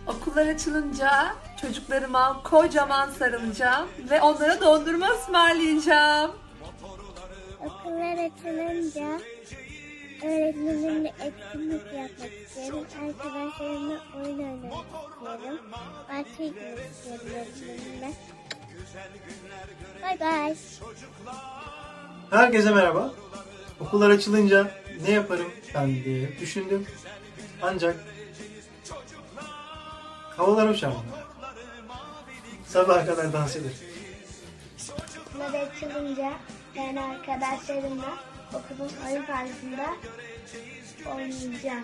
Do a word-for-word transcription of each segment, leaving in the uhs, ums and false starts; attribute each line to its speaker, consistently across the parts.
Speaker 1: Okullar açılınca çocuklarıma kocaman sarılacağım ve onlara dondurma ısmarlayacağım.
Speaker 2: Okullar açılınca öğretmenimle etkinlik yapmak istiyorum. Arkadaşlarımla oyun oynamak istiyorum. Bahçeye gitmek istiyorum öğretmenimle. Bay bay.
Speaker 3: Herkese merhaba. Okullar açılınca ne yaparım ben diye düşündüm. Ancak havalar uçarım. Sabaha kadar dans ederim.
Speaker 2: Okullar açılınca ben arkadaşlarımla okulun oyun parkında oynayacağım.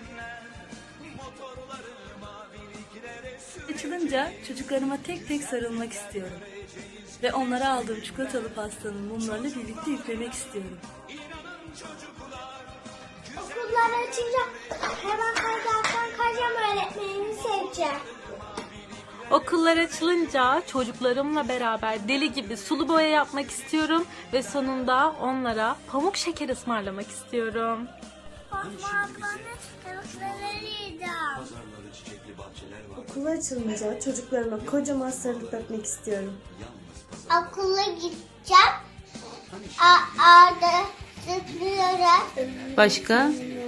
Speaker 4: Açılınca çocuklarıma tek tek sarılmak istiyorum. Ve onlara aldığım çikolatalı pastanın mumlarını birlikte üflemek istiyorum.
Speaker 2: Okullar açınca hemen kaydarsan kayacağım öğretmenimi seveceğim.
Speaker 5: Okullar açılınca çocuklarımla beraber deli gibi sulu boya yapmak istiyorum ve sonunda onlara pamuk şeker ısmarlamak istiyorum.
Speaker 6: Okula açılınca çocuklarıma kocaman sarılıp öpmek istiyorum.
Speaker 2: Okula gideceğim. Arda zıplıyorum.
Speaker 5: Başka?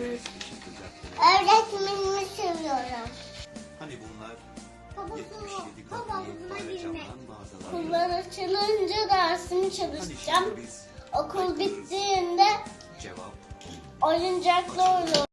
Speaker 2: Öğretmenimi seviyorum.
Speaker 7: Hani bunlar
Speaker 2: Babasına,
Speaker 7: yetmiş yedi
Speaker 2: babasına
Speaker 7: katlı
Speaker 2: girmek.
Speaker 7: camdan mağazalar.
Speaker 2: Okullar açılınca dersimi
Speaker 7: Hani
Speaker 2: çalışacağım.
Speaker 7: şimdi biz
Speaker 2: Okul bittiğinde
Speaker 7: cevap
Speaker 2: oyuncakla oynayacağım.